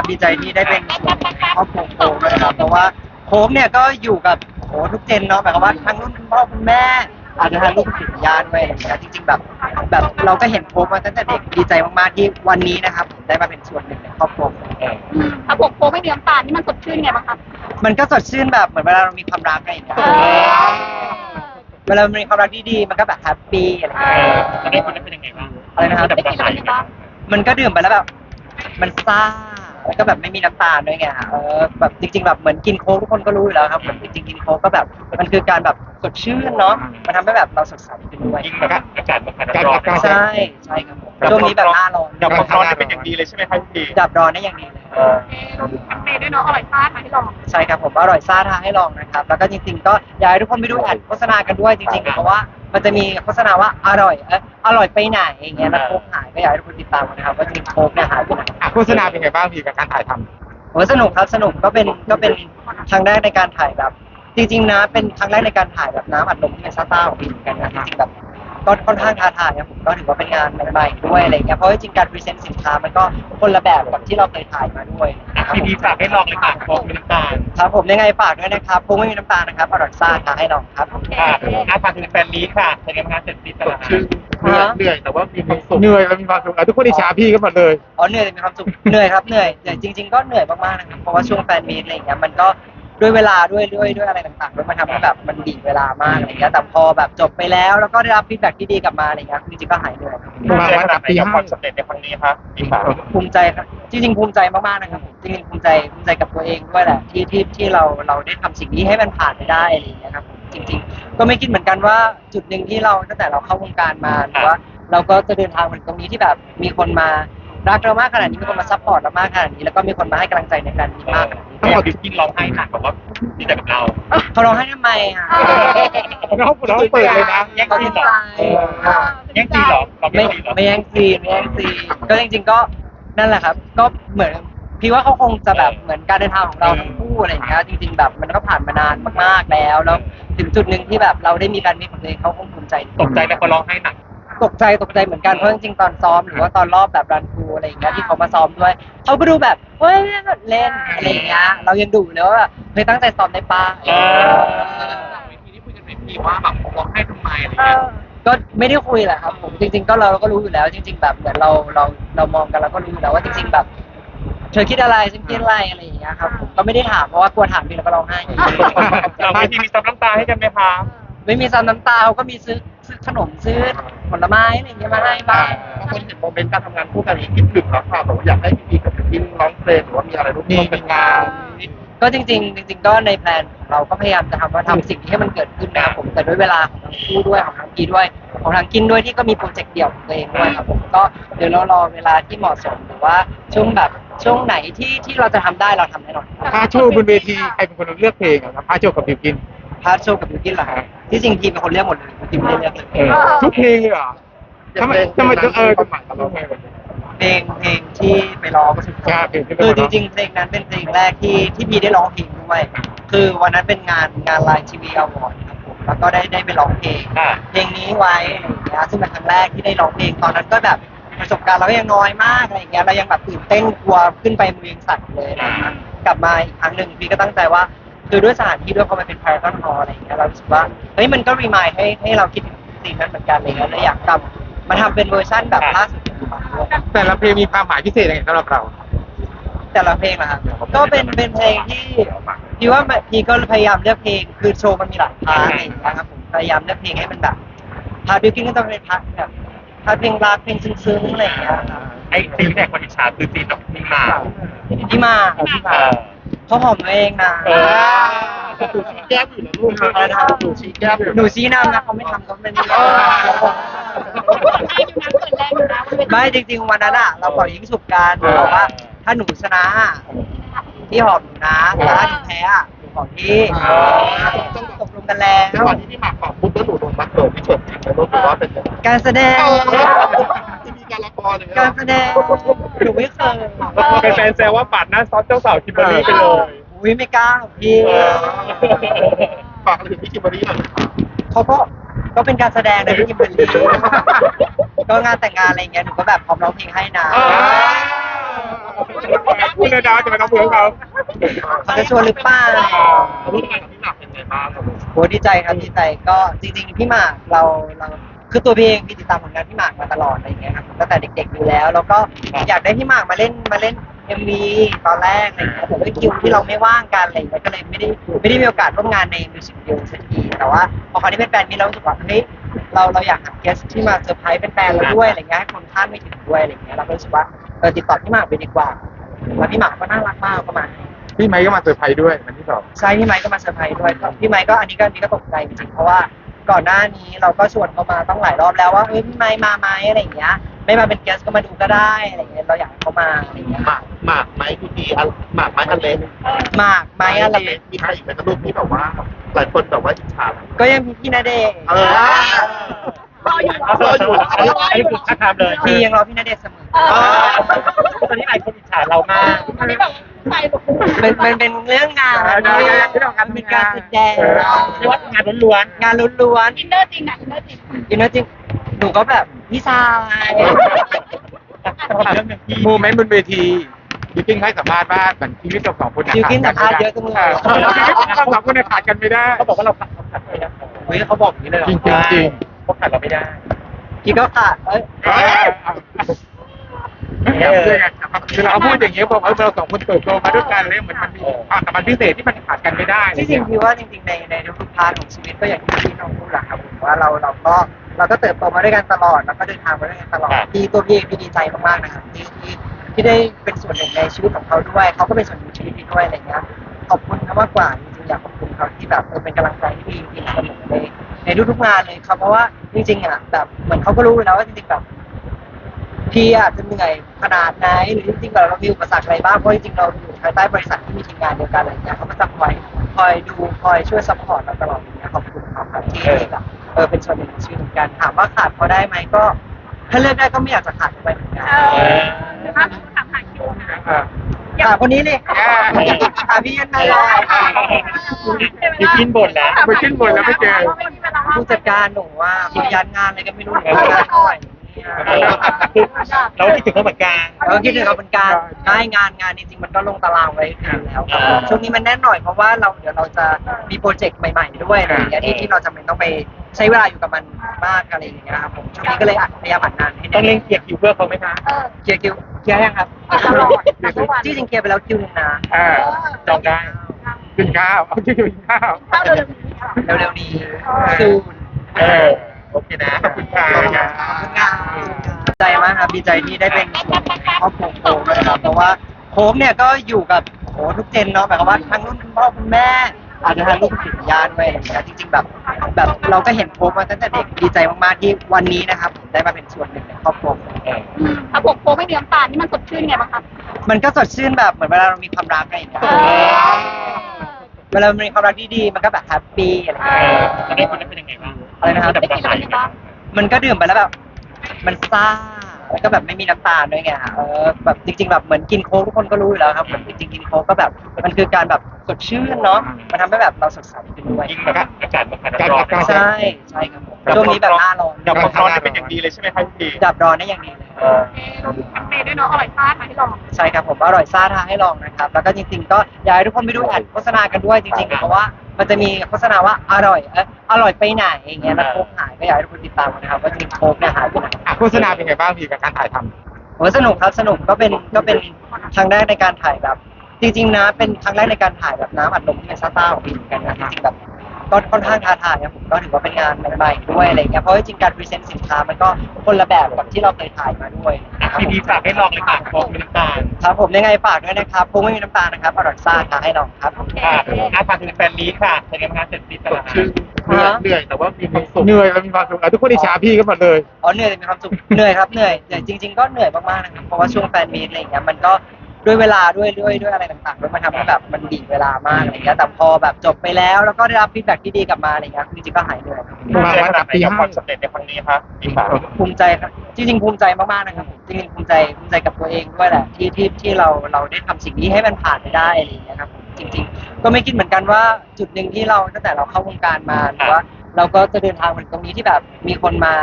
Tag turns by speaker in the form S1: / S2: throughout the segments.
S1: ดีใจที่ได้เป็นส่วนหนึ่งในครอบครัวโค้กนะครับเพราะว่าโค้กเนี่ยก็อยู่กับโอ้ทุกเจนเนาะหมายความว่าทั้งรุ่นคุณพ่อคุณแม่อาจจะทางรุ่นคุณย่าด้วยอะไรอย่างเงี้ยจริงๆแบบเราก็เห็นโค้กมาตั้งแต่เด็กดีใจมากๆที่วันนี้นะครับผมได้มาเป็นส่วนหนึ่งในครอบครัว
S2: ถ้าผมโค้กไม่มีน้ำตาลนี่มันสดชื่นไงบ้างครับ
S1: มันก็สดชื่นแบบเหมือนเวลาเรามีความรักอะไรอย่างเงี้ยเวลามีความรักที่ดีมันก็แบบแฮปปี้อะไรอย่างเงี้ย
S3: จะได้คนนั้นเป็นยังไงบ้าง
S1: อะไรนะครับ
S2: ได้กินอะไรบ้าง
S1: มันก็ดื่มไปแล้วแบบมันซ่าแล้วก็แบบไม่มีน้ำตาลด้วยไงฮะแบบจริงๆแบบเหมือนกินโค้กทุกคนก็รู้อยู่แล้วครับเหมือนจริงๆกินโค้กก็แบบมันคือการแบบสดชื่นเนาะมันทำให้แบบเราสดใสขึ้นด้วย
S3: ยิ่งแบบอากาศมันร้อน
S1: ใช่ใช่ครับผมช่วงนี้แบบหน้าร้อน
S3: ดับความร้อนได้เป็นอย่างดีเลยใช่ไหมครับพี่
S1: ดับร้อนได้อย่างดีเลย
S2: เราดูแคมเปญด้วยเนาะอร่อยมากมาให้ลอง
S1: ใช่ครับผมอร่อยซ่าท้าให้ลองนะครับแล้วก็จริงๆก็อยากให้ทุกคนไปดูแอดโฆษณากันด้วยจริงๆเพราะว่ามันจะมีโฆษณาว่าอร่อยไปไหนอย่างเงี้ยแล้วโค้กหายก็อยากให้ทุกคนติดตามกันนะครับว่าจริงๆโค้กเนี่ยหายไปไหน
S4: โฆษณาเป็นไงบ้างพี่กับการถ่ายทำ
S1: โอ้สนุกครับสนุกก็เป็นครั้งแรกในการถ่ายแบบจริงๆนะเป็นครั้งแรกในการถ่ายแบบน้ำอัดลมที่เป็นซ่าๆของพี่เหมือนกันนะจริงๆแบบก็ค่อนข้างท้าทายนะผมก็ถือว่าเป็นงานใหม่ๆด้วยอะไรเงี้ยเพราะว่าจริงๆการพรีเซนต์สินค้ามันก็คนละแบบกับที่เราเคยถ่ายมาด้วยนะครับ
S3: พี่ฝากให้ลองเลยค่ะโค้กมีน้ำตาล
S1: ครับผมยังไงฝากด้วยนะครับโค้กไม่มีน้ำตาลนะครับอร่อยซ่าท้าให้ลองครับ
S3: ฝากถึงแฟนมีค่ะเป็นงานเสร็จสิ้นตลาด
S4: เหนื่อยแต่ว่ามีความสุขเหนื่อยแล้วมีความสุขทุกคนอิจฉาพี่กันหมดเลย
S1: อ๋อเหนื่อยแต่มีความสุขเหนื่อยครับเหนื่อยแต่จริงๆก็เหนื่อยมากๆนะครับเพราะว่าช่วงแฟนมีตอะไรอย่างเงี้ยมันก็ด้วยเวลาด้วยอะไรต่างๆด้วยมันทำให้แบบมันบีบเวลามากอะไรเงี้ยแต่พอแบบจบไปแล้วแล้วก็ได้รับฟีดแบ็กที่ดีกลับมาอะไรเงี้ยจริงๆก็หายเหนื่อยครับ
S3: ภูมิใจขนาดไหนกับความสำเร็จในครั้งนี้ครับพี่ฝาก
S1: ภูมิใจครับจริงๆภูมิใจมากๆนะครับผมจริงๆภูมิใจกับตัวเองด้วยแหละที่เราได้ทำสิ่งนี้ให้มันผ่านไปได้อะไรอย่างเงี้ยครับผมจริงๆก็ไม่คิดเหมือนกันว่าจุดหนึ่งที่เราตั้งแต่เราเข้าวงการมาหรือว่าเราก็จะเดินทางมาถึงตรงนี้ที่แบบมีคนมารักเรามากขนาดนี้มีคนมาซัพพอร์ตเรามากขนาดนี้แล้วก็มีคนมาให้กำลังใจในการนี้มากขนาดนี้
S3: ต้องบอกดิกินร้องไห้หนักแบบว่าดีใจกับเรา
S1: เขาร้องไห้ทำไมอ่ะ
S4: เราเปิดเลยนะ
S3: แย่ง
S1: เขา
S3: ซี
S1: ดี
S3: นเหร
S1: ใจ
S3: อแย่งซีนเหรอเราไม่
S1: ไม่
S3: ซีนเหรอ
S1: ไม่แย่งซีนก็จริงๆก็นั่นแหละครับ ก็เหมือนพี่ว่าเขาคงจะแบบเหมือนการเดินทางของเราทั้งคู่อะไรอย่างเงี้ยจริงๆแบบมันก็ผ่านมานานมากๆแล้วถึงจุดหนึ่งที่แบบเราได้มีการมีของตัวเองเขาคงภูมิใจ
S3: ตกใจไหมพอร้องไห้หนัก
S1: ตกใจเหมือนกันเพราะจริงๆตอนซ้อมหรือว่าตอนรอบแบบรันทรูอะไรอย่างเงี้ยที่เขามาซ้อมด้วยเขาก็ดูแบบเฮ้ยเล่นอะไรอย่างเงี้ยเรายังดูเลยว่าแบบเฮ้ยตั้งใจซ้อมได้ป้า
S3: เวทีที่คุยกันไหนพี่ว่าแบบร้องไห้ทำไมอะไรเงี้ย
S1: ก็ไม่ได้คุยแหละครับผมจริงๆก็เราก็รู้อยู่แล้ว จริง ๆ แบบเหมือนเรามองกันเราก็รู้อยู่แล้วว่าจริง ๆ แบบเธอคิดอะไรฉันคิดอะไรอะไรอย่างเงี้ยครับผมก็ไม่ได้ถามเพราะว่ากลัวถามพี่แล้วก็ร้องไห้อีก
S3: เราเวทีมีซับน้ำตาให้กันไหมคะ
S1: ไม่มีซ้ำน้ำตาเขาก็มีซื้อขนมซื้อผลไม้อะไรอย่างเงี้ยมาให้บ้าง
S4: บางคนเห็นโมเมนต์การทำงานคู่กันนี้คิดถึงแล้วค่ะแบบว่าอยากให้พี่กับพี่ร้องเพลงหรือว่ามีอะไรร่วมกันงาน
S1: ก็จริงๆก็ในแพลนของเราก็พยายามจะทำสิ่งที่ให้มันเกิดขึ้นนะครับผมแต่ด้วยเวลาของทั้งคู่ด้วยของทั้งกีด้วยของทางกินด้วยที่ก็มีโปรเจกต์เดี่ยวของตัวเองด้วยครับผมก็เดี๋ยวเรารอเวลาที่เหมาะสมหรือว่าช่วงไหนที่เราจะทำได้เราทำแน่นอน
S4: พาโชว์บนเวทีใครเป็นคนเลือกเพลงครับพาโชว์กับบิวกิน
S1: พาร์ทโชว์กับบิวกินเหรอครับที่จริงทีมเป็นคนเลือกหมดเลยทีมไม่ได้เลือกเลย
S4: ทุกเพลงเลยเหรอทำไม
S1: เพลงที่ไปร้องก็สุด
S4: ใช่เพลงที่ไปร้
S1: คือ
S4: อง
S1: จริงๆเพลงนั้นเป็นเพลงแรกที่พี่ได้ร้องเพลงด้วยคือวันนั้นเป็นงานไลน์ทีวีอวอร์ดครับผมแล้วก็ได้ไปร้องเพลงเพลงนี้ไว้อะไรอย่างเงี้ยซึ่งเป็นครั้งแรกที่ได้ร้องเพลงตอนนั้นก็แบบประสบการณ์เราก็ยังน้อยมากอะไรอย่างเงี้ยเรายังแบบตื่นเต้นกลัวขึ้นไปมือยังสั่นเลยอะไรอย่างเงี้ยกลับมาอีกครั้งหนึ่งพี่ก็ตั้งใจว่าคือด้วยสถานที่ด้วยพอมันเป็น Paragon Hall อะไรอย่างเงี้ยเรารู้สึกว่าเฮ้ยมันก็รีมายให้เราคิดถึงสิ่งนั้นเหมือนกันอะไรเงี้ยเลยอยากกลับมาทำเป็นเวอร์ชั่นแบบล่าสุดของเราด้วย
S4: แต่ละเพลงมีความหมายพิเศษยังไงสำหรับเรา
S1: แต่ละเพลงนะครับก็เป็นเพลงที่พี่ว่าพี่ก็พยายามเลือกเพลงคือโชว์มันมีหลายพาร์ทอะไรอย่างเงี้ยครับผมพยายามเลือกเพลงให้มันแบบพาร์ทบิวกิ้งก็ต้องเป็นพาร์ทแบบพาร์ทเพลงรักเพลงซึ้งๆอะไรอย่างเงี้ยครับ
S3: ไอ้ซีนแรกคนอิจฉาคือซีนแบบมีหมา
S1: พี่มาเขาหอมตัวเองนะ
S4: แก้มอยู่นะลูกดูชี้แก้มอยู่
S1: หนูชี้นำนะเขาไม่ทำก็ไม่ได้ไม่จริงๆวันนั้นอะเราปล่อยยิงฉุบกันบอกว่าถ้าหนูชนะพี่หอมหนูนะแต่ถ้าหนูแพ้อะหนูหอมพี่ตกลงกันแล้ว
S4: ก่อนที่พี่หมากขอบปุ๊บแล้วหนูโดนมัดเลยพี่เฉิดจริงไหมลูกหรือว่าเป็น
S1: การแสดง
S4: ที่มีการละครเลย
S1: การแสดงหนูไม่เคย
S3: เป็นแฟนแซวว่าปาดหน้าซอสเจ้าสาวคิมเบอร์รี่ไปเลย
S1: อุ้ยไม่กล้าหรอกพี่
S4: ฝากอะไรถึงพี่คิมเบอร์รี่หน่อย
S1: เขาก็เป็นการแสดงนะพี่กิมเบอร์รี่ก็งานแต่งงานอะไรเงี้ยหนูก็แบบพร้อมร้องเพลงให้นะ
S5: คุณระดาจะมาทำเพื่อเขา
S1: เขาจะชวนหรือเปล่า
S4: ร่วมงานกับพี่หมากเป็นไงบ้าง
S1: โหดีใจครับดีใจก็จริงๆพี่หมากเราคือตัวพี่เองพี่ติดตามผลงานพี่หมากมาตลอดอะไรอย่างเงี้ยครับตั้งแต่เด็กๆอยู่แล้วแล้วก็อยากได้พี่หมากมาเล่นMV ตอนแรกอะไรอย่างเงี้ยแต่ด้วยคิวที่เราไม่ว่างกันอะไรอย่างเงี้ยก็เลยไม่ได้มีโอกาสร่วมงานในมิวสิกวิดีโอสักทีแต่ว่าพอคราวนี้เป็นแฟนมีเรารู้สึกว่าเฮ้ยเราอยากหาเกสที่มาเซอร์ไพรส์เป็นแฟนเราด้วยอะไรเงี้ยให้คนคาดไม่ถึงด้วยอะไรเงี้ยเราก็รู้สึกว่าติดต่อพี่หมากไปดีกว่าแล้วพี่หมากก็น่ารักมากก็มา
S5: พี่ไมค์ก็มาเซอร์ไพรส์ด้วยวันที่ 2
S1: ใช่พี่ไมค์ก็มาเซอร์ไพรส์ด้วยก็พี่ไมค์ก็อันนี้ก็ตกใจจริงๆเพราะว่าก่อนหน้านี้เราก็ชวนเขามาต้องหลายรอบแล้วว่าพี่ไมค์มาไหมอะไรอย่างเงี้ยไม่มาเป็นแกสก็มาดูก็ได้อะไรอย่างเงี้ยเราอยากให้เขามาอะไรอย่างเงี้ย
S4: หมากไหมพี่พีหมากไหมอันเล็ก
S1: หมากไมค์อะไร
S4: มีใครอีกไหมลูกที่แบบว่าหลายคนแบบว่าอิจฉา
S1: ก็ยังมีพี่ณเดชน์
S2: รออยู่
S4: รออยู่
S5: อันนี้คือท่าทางเลย
S1: พี่ยังรอพี่ณเดชน์เสมอ
S5: ตอนนี้หลายคนอิจฉาเรามาก
S2: อันนี้แบบใส่แบบ
S1: เป็นเรื่องงาน
S5: ได้
S1: เป็นการแสดง
S5: เรียกว่างานล้วน
S1: งานล้วน
S2: อินเนอร์จริงนะอินเนอร์จริง
S1: ๆอินเนอร์จริงหนูก็แบบพี่ชาย
S5: ๆโมเมนต์บนเวทีบิวกิ้งให้สัมภาษณ์ว่าเหมือนชีวิตเราสองคน
S1: คิวกินสัมภาษณ์เยอะจังเลย
S5: ชีวิตเราสองคนเนี่ยขาดกันไม่ได้เขาบอกว่าเราขาดไม่ได้
S1: เฮ้ยเขาบอกอย่างนี้เลยเหรอ
S5: จริงจริงเขาขาดเราไม่ได้
S1: พี่ก็ขาด
S5: คือเราพูดอย่างเงี้ยบอกเราสองคนเติบโตมาด้วยกันเลยเหมือนมันมีความสัมพันธ์พิเศษที่มันขาดกันไม่ได้
S1: ที่จริงพี่ว่าจริงๆในทุกๆพาร์ทของชีวิตก็อย่างที่พี่น้องพูดแหละครับผมว่าเราก็เติบโตมาด้วยกันตลอดแล้วก็เดินทางมาด้วยกันตลอดที่ตัวพี่เองพี่ดีใจมากๆนะครับที่ได้เป็นส่วนหนึ่งในชีวิตของเขาด้วยเขาก็เป็นส่วนหนึ่งในชีวิตพี่ด้วยอะไรเงี้ยขอบคุณเขามากกว่าจริงๆอยากขอบคุณเขาที่แบบเป็นกำลังใจที่ดีจริงๆเสมอในทุกๆงานเลยครับเพราะว่าจริงๆอ่ะแบบเหมือนเขาก็รู้อยู่แล้วว่าจริงๆแบบพี่อาจจะเหนื่อยขนาดไหนหรือจริงๆแบบเรามีอุปสรรคอะไรบ้างเพราะจริงๆเราอยู่ภายใต้บริษัทที่มีทีมงานเดียวกันอะไรเงี้ยเขาก็จะคอยดูคอยช่วยซัพพอร์ตเราตลอดอย่างเงี้ยขอบคุณเขาครับที่แบบเป็นส่วนหนึ่งของชีวิตเหมือนกันถามว่าขาดเขาได้ไหมก็ถ้าเลือกได้ก็ไม่อยากจะขาดเขาไปเหมือนกัน
S2: ถ้าถามหาคิวนะ
S1: ถามคนนี้เลยถามพี่ยันมาเลย
S5: ไปขึ้นบนแล้วไม่เจอ
S1: ผู้จัดการหนูว่ามียันงานอะไรก็ไม่รู้หนูงานเท่าไหร่
S5: เราคิดถึงเขาเหมือนกัน
S1: เราคิดถึงเขาเป็นการได้งานจริงๆมันก็ลงตารางไว้อยู่แล้วครับช่วงนี้มันแน่นหน่อยเพราะว่าเดี๋ยวเราจะมีโปรเจกต์ใหม่ๆด้วยอะไรอย่างเงี้ยที่เราจำเป็นต้องไปใช้เวลาอยู่กับมันมากอะไรอย่างเงี้ยครับผมช่วงนี้ก็เลยพยายามอัดงานให้
S5: ต้องเล่นเกียร์คิวเพื่อเขาไหมคะ
S1: เคลียร์ยังครับที่จริงเคลียร์ไปแล้วคิวนึงนะ
S5: จองได้กินข้าวกินข้าว
S2: เข้าเร็ว
S1: เร็วๆนี้ซูน
S5: โอเคนะขอบคุณค่ะ
S1: ดีใจมากครับดีใจที่ได้เป็นส่วนหนึ่งในครอบครัวโค้กนะครับเพราะว่าโค้กเนี่ยก็อยู่กับทุกเจนเนาะหมายความว่าทั้งรุ่นคุณพ่อคุณแม่อาจจะทางลูกศิษย์ญาติด้วยอะไรอย่างเงี้ยจริงๆแบบเราก็เห็นโค้กมาตั้งแต่เด็กดีใจมากๆที่วันนี้นะครับผมได้มาเป็นส่วนหนึ่งในครอบครัว
S2: ถ้าผมโค้ไม่มีน้ำตาลนี่มันสดชื่นไงบ้างคะ
S1: มันก็สดชื่นแบบเหมือนเวลาเรามีความรักอะไรอย่างเงี้ยเวลามีความรักที่ดีมันก็แบบแฮปปี้อะไรอย่างเงี้ย
S5: ตอนนี้คนนั้นเป็นยังไงบ้าง
S1: อะไรนะครับ
S2: ได้กินอะไรบ้าง
S1: มันก็ดื่มไปแล้วแบบมันซ่าแล้วก็แบบไม่มีน้ำตาลด้วยไงแบบจริงๆแบบเหมือนกินโค้กทุกคนก็รู้อยู่แล้วครับเหมือนจริงๆกินโค้กก็แบบมันคือการแบบสดชื่นเนาะมันทำให้แบบเราสดใสขึ้นด้วย
S5: ยิ่งแบบอากาศมันร้อน
S1: ใช่ครับผมช่วงนี้แบบหน้าร้อน
S5: ดับความร้อนได้เป็นอย่างดีเลยใช่ไหมครับพี่
S1: ดับร้อนได้อย่างดีเลย
S2: เมย์ด้วยเนาะอร่อยมากมาให้ลอง
S1: ใช่ครับผมอร่อยซ่าท้าให้ลองนะครับแล้วก็จริงๆก็อยากให้ทุกคนไปดูแอดโฆษณากันด้วยจริงๆเพราะว่ามันจะมีโฆษณาว่าอร่อยไปไหนอย่างเงี้ยแล้วโค้กหายก็อยากให้ทุกคนติดตามนะครับว่าจริงๆโค้กเนี่ยหายไปไหน
S5: โฆษณาเป็นไงบ้างพี่กับการถ่ายทำ
S1: โอ้สนุกครับสนุกก็เป็นครั้งแรกในการถ่ายแบบจริงๆนะเป็นครั้งแรกในการถ่ายแบบน้ำอัดลมที่เป็นซ่าๆของพี่เหมือนกันนะจริงๆแบบก็ค่อนข้างท้าทายนะผมก็ถือว่าเป็นงานใหม่ๆด้วยอะไรเงี้ยเพราะจริงๆการพรีเซนต์สินค้ามันก็คนละแบบกับที่เราเคยถ่ายมาด้วย
S5: พี่ฝากให้ลองเลยค่ะโค้กมีน้ำตาล
S1: ครับผมยังไงฝากด้วยนะครับโค้กไม่มีน้ำตาลนะครับอร่อยซ่าท้าให้ลองครับ
S5: ฝากถึงแฟนนี้ค่ะเป็นงานเสร็จสิ้นแล้ว
S4: ชื่อเหนื่อยแต่ว่ามีความสุข
S5: เหนื่อยแล้วมีความสุขทุกคนอิจฉาพี่กันหมดเลย
S1: เหนื่อยแต่มีความสุขเหนื่อยครับเหนื่อยจริงๆก็เหนื่อยมากๆนะครับเพราะว่าช่วงแฟนมีตอะไรอย่างเงี้ยมันก็ด้วยเวลาด้วยอะไรต่างๆด้วยมันทำให้แบบมันบีบเวลามากอะไรเงี้ยแต่พอแบบจบไปแล้วแล้วก็ได้รับฟีดแบ็กที่ดีกลับมาอะไรเงี้ยจริงๆก็หายเหนื่อย
S5: ภูมิใจขนาดไหนกับความสำเร็จในครั้งนี้ครับพี่ฝาก
S1: ภูมิใจครับจริงๆภูมิใจมากๆนะครับผมจริงๆภูมิใจกับตัวเองด้วยแหละที่เราได้ทำสิ่งนี้ให้มันผ่านไปได้อะไรอย่างเงี้ยครับผมจริงๆก็ไม่คิดเหมือนกันว่าจุดหนึ่งที่เราตั้งแต่เราเข้าวงการมาหรือว่าเราก็จะเดินทางมาถึงตรงนี้ที่แบบมีคนมา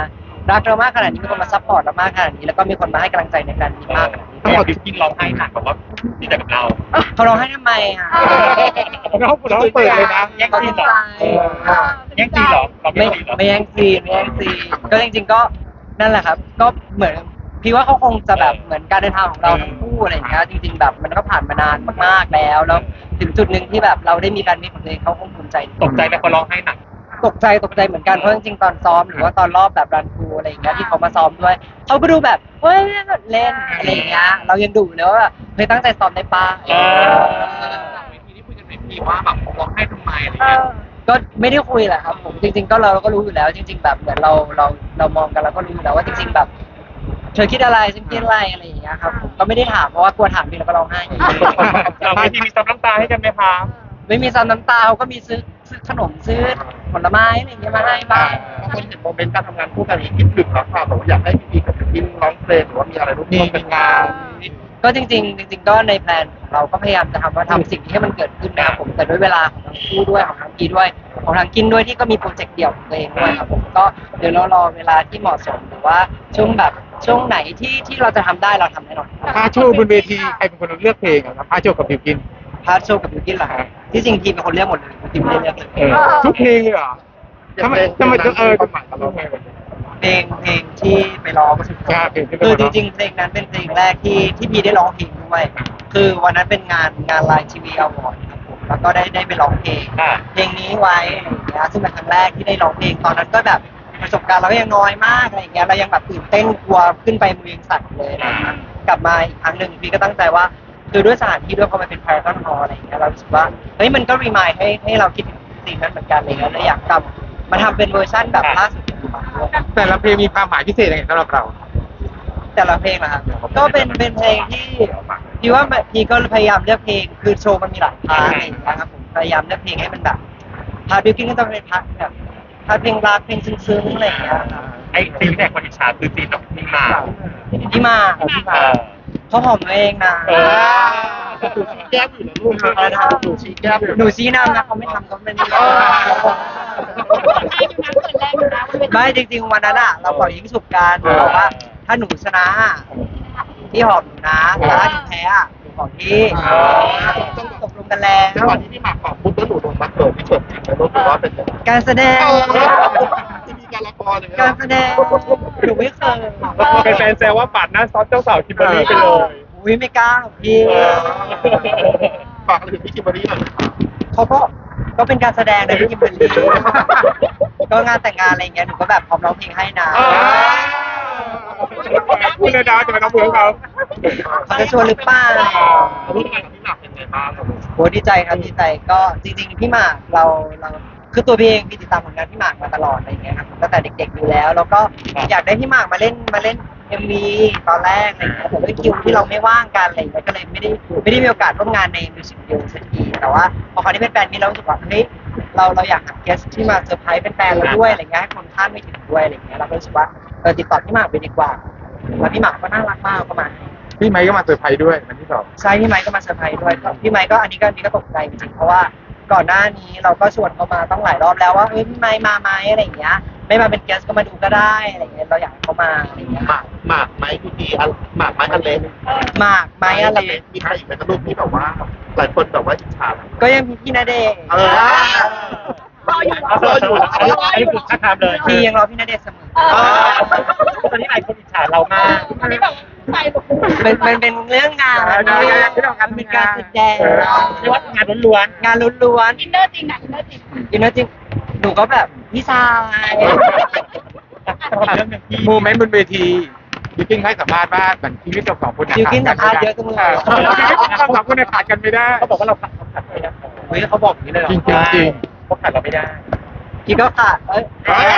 S1: รักเรามากขนาดนี้มีคนมาซัพพอร์ตเรามากขนาดนี้แล้วก็มีคนมาให้กำลังใจในการนี้มากขนาดนี้
S3: ทั้งหมดกินร้องไห้หนักแบบว่าดีใจกับเรา
S1: เขาร้องไห้ทำไมอ่ะ
S5: เราเปิดเลยนะ
S3: แย่ง
S1: เขา
S3: ซี
S1: ดี
S3: นเหร
S1: ใจ
S3: อแย่งซีนเหรอเรา
S1: ไม่
S3: ไม่ซีนเหรอ
S1: ไม่แย่งซีนไม่แย่งซีนก็จริงๆก็นั่นแหละครับ ก็เหมือนพี่ว่าเขาคงจะแบบเหมือนการเดินทางของเราทั้งคู่อะไรอย่างเงี้ยจริงๆแบบมันก็ผ่านมานานมากๆแล้วถึงจุดหนึ่งที่แบบเราได้มีการมีของตัวเองเขาคงภูมิใจ
S3: ตกใจไหมพอร้องไห้หนัก
S1: ตกใจเหมือนกันเพราะจริงๆตอนซ้อมหรือว่าตอนรอบแบบรันทรูอะไรอย่างเงี้ยที่เขามาซ้อมด้วยเขาก็ดูแบบเฮ้ยเล่นอะไรอย่างเงี้ยเรายังดูเลยว่าแบบเฮ้ยตั้งใจซ้อมได้ป้า
S3: หลังเวทีที่คุยกันไหมพี่ว่าแบบร้องไห้ทำไมอะไร
S2: เอ
S3: เงี้ย
S2: อ
S1: ก็ไม่ได้คุยแหละครับผมจริงๆก็เราก็รู้อยู่แล้ว จริง ๆ แบบเหมือนเรามองกันเราก็รู้อยู่แล้วว่าจริงๆแบบเธอคิดอะไรฉันคิดอะไรอย่างเงี้ยครับผมก็ไม่ได้ถามเพราะว่ากลัวถามพี่แล้วก็ร้องไห้อีก
S3: หลังเวทีมีซับน้ำตาให้กันไหมคะ
S1: ไม่มีซ้ำน้ำตาเขาก็มีซื้อขนมซื้อผลไม้อะไรอย่างเงี้ยมาให้บ้าง
S4: บางคนเห็นโมเมนต์การทำงานคู่กันนี้คิดถึงแล้วค่ะแบบว่าอยากให้พี่กับพี่ร้องเพลงหรือว่ามีอะไรร่วมกันงาน
S1: ก็จริงๆก็ในแพลนของเราก็พยายามจะทำสิ่งที่ให้มันเกิดขึ้นนะครับผมแต่ด้วยเวลาของทั้งคู่ด้วยของทั้งกีด้วยของทางกินด้วยที่ก็มีโปรเจกต์เดี่ยวของตัวเองด้วยครับผมก็เดี๋ยวเรารอเวลาที่เหมาะสมหรือว่าช่วงไหนที่เราจะทำได้เราทำแน่นอน
S5: พาโชว์บนเวทีใครเป็นคนเลือกเพลงอะครับพาโชว์กับบิวกิน
S1: พาร์ทโชว์กับบิวกินเหรอครับที่จริงทีมเป็นคนเลือกหมดเลยทีมไม่ได้เลือกเลย
S5: ทุกเพลงเลยเหรอทำไม
S4: ความหมายกับเรา
S1: เพลงที่ไปร้องก็คือ
S5: ใช่เพลงที่ไปร้
S1: คือ
S5: อง
S1: จริงๆเพลงนั้นเป็นเพลงแรกที่พี่ได้ร้องเพลงด้วยคือวันนั้นเป็นงานไลน์ทีวีอวอร์ดครับผมแล้วก็ได้ไปร้องเพลง เพลงนี้ไว้อะไรอย่างเงี้ยซึ่งเป็นครั้งแรกที่ได้ร้องเพลงตอนนั้นก็แบบประสบการณ์เราก็ยังน้อยมากอะไรอย่างเงี้ยเรายังแบบตื่นเต้นกลัวขึ้นไปมือยังสั่นเลยอะไรอย่างเงี้ยกลับมาอีกครั้งหนึ่งพี่ก็ตั้งใจว่าคือด้วยสถานที่ด้วยพอมันเป็นพารากอนฮอลล์อะไรอย่างเงี้ยเรารู้สึกว่าเฮ้ยมันก็รีมายให้เราคิดถึงสิ่งนั้นเหมือนกันอะไรเลยแล้วอยากกลับมาทำเป็นเวอร์ชั่นแบบล่าสุดปัจจุบันด้วย
S5: แต่ละเพลงมีความหมายพิเศษยังไงสำหรับเรา
S1: แต่ละเพลงนะครับก็เป็นเพลงที่พี่ว่าพี่ก็พยายามเลือกเพลงคือโชว์มันมีหลายพาร์ทอะไรอย่างเงี้ยครับผมพยายามเลือกเพลงให้มันแบบพาร์ทบิวกิ้นก็ต้องเป็นพาร์ทแบบพาร์ทเพลงรักเพลงซึ้งๆอะไรอย่างเงี้ยครับ
S3: ไอ้ซีนแรกคนอิจฉาคือซีนน้องนี่มา
S1: พี่มาเขาหอมตัวเองนะ
S4: ชี้แก้มอยู่แล้วลูกหนูชี้แก้มอยู่
S1: หนูชี้นำนะเขาไม่ทำก็ไม่ได้ ไม่จริงๆวันนั้นอ่ะเราปล่อยยิงฉุบกันบอกว่าถ้าหนูชนะพี่หอมหนูนะแต่ถ้าหนูแพ้อะหนูของพี่ต้องตกลงกันแล้ว
S4: จังหวะที่พี่หมากบอกปุ๊บแล้วหนูโดนมาเกิดที่เฉิดจริงไหมลูกหรือว่าเป็นยังไง
S1: การแสดง
S4: ที่มีการละครอย่างเงี้ย
S1: การแสดงหนูไม่เคย
S5: เป็นแฟนแซวว่าปาดหน้าซอสเจ้าสาวคิมเบอรรี่ไปเลย
S1: อุ้ยไม่กล้าหรอกพี่
S4: ฝากอะไรถึงพี่คิมเบอรรี่หน่อย
S1: เขาก็เป็นการแสดงนะพี่กิมเบอร์รี่ก็งานแต่งงานอะไรอย่างเงี้ยหนูก็แบบพร้อมร้องเพลงให้นะ
S5: คุณเลยดาวจะไปน้องเพื่อนเขา
S1: เขาจะชวนหรือเปล่า
S4: ร่วมงานกับพี่หมากเป็นไงบ้างครับ
S1: โหดีใจครับดีใจก็จริงๆพี่หมากเราคือตัวพี่เองพี่ติดตามผลงานพี่หมากมาตลอดอะไรอย่างเงี้ยครับตั้งแต่เด็กๆอยู่แล้วแล้วก็อยากได้พี่หมากมาเล่นMV ตอนแรกอะไรอย่างเงี้ยแต่ด้วยคิวที่เราไม่ว่างกันอะไรอย่างเงี้ยก็เลยไม่ได้มีโอกาสร่วมงานในมิวสิกวิดีโอสักทีแต่ว่าพอคราวนี้เป็นแฟนมีเรารู้สึกว่าเฮ้ยเราอยากหาเกสที่มาเซอร์ไพรส์เป็นแฟนเราด้วยอะไรเงี้ยให้คนคาดไม่ถึงด้วยอะไรเงี้ยเราก็รู้สึกว่าติดต่อพี่หมากไปดีกว่าแล้วพี่หมากก็น่ารักมากก็มา
S5: พี่ไมค์ก็มาเซอร์ไพรส์ด้วยวันที่สอง
S1: ใช่พี่ไมค์ก็มาเซอร์ไพรส์ด้วยพี่ไมค์ก็อันนี้ก็ตกใจจริงๆเพราะว่าก่อนหน้านี้เราก็ชวนเขามาต้องหลายรอบแล้วว่าเฮ้ยพี่ไมค์มาไหมอะไรอย่างเงี้ยไม่มาเป็นเกสก็มาดูก็ได้อะไรอย่างเงี้ยเราอยากให้เขามาอะไรอย่างเงี้ย
S4: หมากไม้กูดีหมากไม้อันเล็ก
S1: หมากไม้อะไร
S4: มีใครอีกไหมครับลูกที่แบบว่าหลายคนแบบว่าอิจฉา
S1: ก็ยังมีพี่ณเดชน์
S2: รออยู่
S3: อันนี้คือท่าทางเลย
S1: พี่ยังรอพี่ณเดชน์เสมอ
S3: ตอนนี้หลายคนอิจฉาเรามาก
S2: อันนี้แบบใส่หลุด
S1: เป็นเรื่องงานเป็นการแสดง
S3: เรียกว่างานล้วน
S1: งานล้วน
S2: อินเนอร์จริงนะอินเนอร์จริง
S1: ๆอินเนอร์จริงหนูก็แบบพี่ชาย
S3: ๆเรื่องหนึ่งที่
S5: โมเมนต์บนเวทีบิวกินให้สัมภาษณ์ว่าเหมือนชีวิตเราสองคน
S1: ดิวกินสัมภาษณ์เยอะจังเลย
S5: ชีวิตเราสองคนเนี่ยขาดกันไม่ได้
S3: เขาบอกว่าเราขัดไม่ได้
S1: เฮ้ยเขาบอกอย่างนี้เลยเหรอ
S5: จริง
S3: เขาขัดเราไม่ได้
S1: พี่ก็ขาดเอ้ย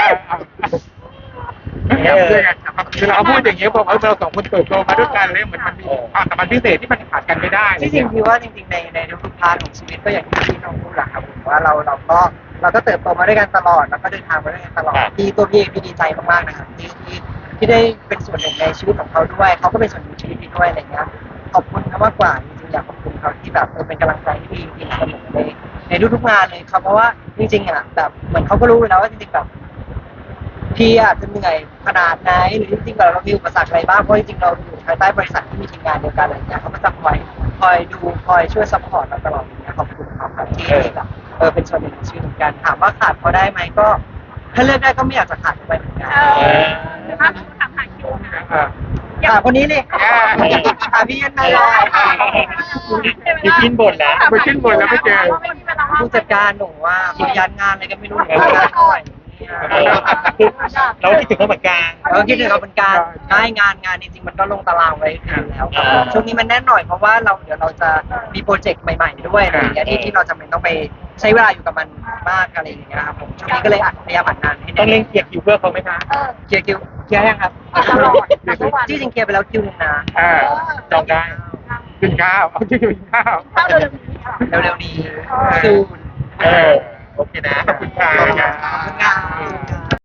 S5: คือเราพูดอย่างเงี้ยบอกเราสองคนเติบโตมาด้วยกันเลยเหมือนมันมีความสัมพันธ์พิเศษที่มันขาดกันไม่ได้
S1: ที่จริงพี่ว่าจริงๆในทุกๆพาร์ทของชีวิตก็อย่างที่พี่น้องพูดแหละครับผมว่าเราก็เติบโตมาด้วยกันตลอดแล้วก็เดินทางมาด้วยกันตลอดพี่ตัวพี่เองพี่ดีใจมากๆนะครับที่ได้เป็นส่วนหนึ่งในชีวิตของเขาด้วยเขาก็เป็นส่วนหนึ่งในชีวิตพี่ด้วยอะไรเงี้ยขอบคุณเขามากกว่าจริงๆอยากขอบคุณเขาที่แบบเป็นกำลังใจที่ดีเสมอในทุกๆงานเลยครับเพราะว่าจริงๆอ่ะแบบเหมือนเขาก็รู้อยู่แล้วว่าจริงๆแบบพี่อาจจะเหนื่อยขนาดไหนหรือจริงๆเรามีอุปสรรคอะไรบ้างเพราะจริงๆเราอยู่ภายใต้บริษัทที่มีทีมงานเดียวกันอะไรอย่างเงี้ยเขาก็จะคอยดูคอยช่วยซัพพอร์ตเราตลอดอย่างเงี้ยขอบคุณเขาครับที่แบบเป็นส่วนหนึ่งในชีวิตเหมือนกันถามว่าขาดเขาได้ไหมก็ถ้าเลือกได้ก็ไม่อยากจะขาดเขาไปเหมือนกัน
S2: ถ้าถามหาคิวนะ
S1: ขาคนนี้เลยขาพี่ยันมาเลย
S5: พี่กินบ่นแล้วไปขึ้นบ่นแล้วไม่เจอ
S1: ผู้จัดการหนูว่าเขายันงานอะไรก็ไม่รู้หนูไม่ได้เท่าไหร่
S5: เราคิดถึงเขาเหมือนกัน
S1: เราคิดถึงเขาเป็นการได้งานจริงๆมันก็ลงตารางไว้อยู่แล้วครับช่วงนี้มันแน่นหน่อยเพราะว่าเดี๋ยวเราจะมีโปรเจกต์ใหม่ๆด้วยอะไรอย่างเงี้ยที่เราจำเป็นต้องไปใช้เวลาอยู่กับมันมากอะไรอย่างเงี้ยครับผมช่วงนี้ก็เลยพยายามอัดงานให้
S5: ต้องเล่นเคลียร์คิวเพื่อเขาไหมคะ
S1: เคลียร์ยังครับ
S2: ตลอด
S1: ที่จริงเคลียร์ไปแล้วคิวนึงนะ
S5: จองได้กินข้าวเอาที่กินข้าว
S2: เข้าเร็วๆนี้
S1: เร็วๆนี้ซูน
S5: โอเคนะขอบคุณค่ะ